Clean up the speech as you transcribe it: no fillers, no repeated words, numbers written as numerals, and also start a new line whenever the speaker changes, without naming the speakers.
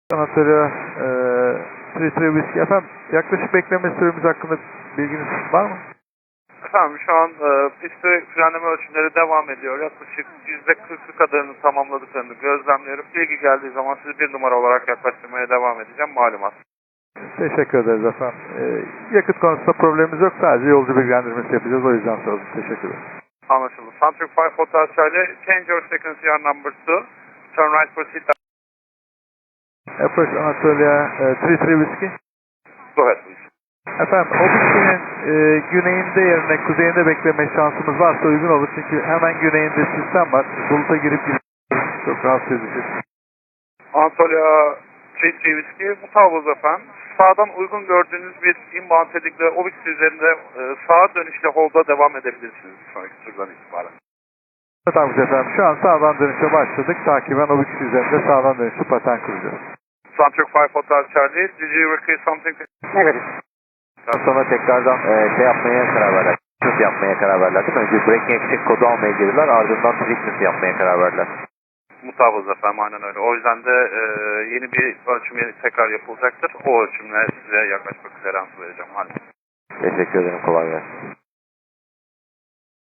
Anatolia 33 Whiskey. Efendim yaklaşık bekleme süremiz hakkında bilginiz var mı?
Efendim şu an pistte frenleme ölçümleri devam ediyor. Yaklaşık %40'ı kadarını tamamladıklarını gözlemliyorum. Bilgi geldiği zaman sizi bir numara olarak yaklaştırmaya devam edeceğim. Malumat.
Teşekkür ederiz efendim. Yakıt konusunda problemimiz yok. Sadece yolcu bilgilendirmesi yapacağız. O yüzden sordum. Teşekkür ederim.
Anlaşıldı. Centric 5 Hotel Charlie, change your frequency on number 2. Turn right for seat.
Approach Anatolia 33 Whiskey.
Go ahead please.
Efendim o bitkinin güneyinde yerine kuzeyinde bekleme şansımız varsa uygun olur. Çünkü hemen güneyinde sistem var. Buluta girip çok rahatsız edici.
Anatolia 33 Whiskey, mutabız efendim. Sağdan uygun gördüğünüz bir inbound headingle Obix üzerinde sağa dönüşle hold'a devam edebilirsiniz sonraki turdan itibaren.
Tamam efendim. Şu an sağdan dönüşe başladık. Takiben Obix üzerinde sağdan dönüşlü paten kuracağız.
Centric 5 Hotel Charlie, did you request something?
Negatif. Sonra tekrardan yapmaya karar verdiler. Treatment yapmaya karar verdiler değil mi? Önce braking exit kodu almaya girdiler, ardından treatment yapmaya karar verdiler.
Mutabız efendim, aynen öyle. O yüzden de yeni bir ölçüm tekrar yapılacaktır. O ölçümle size yaklaşık bir clearance vereceğim. Hadi.
Teşekkür ederim, kolay gelsin.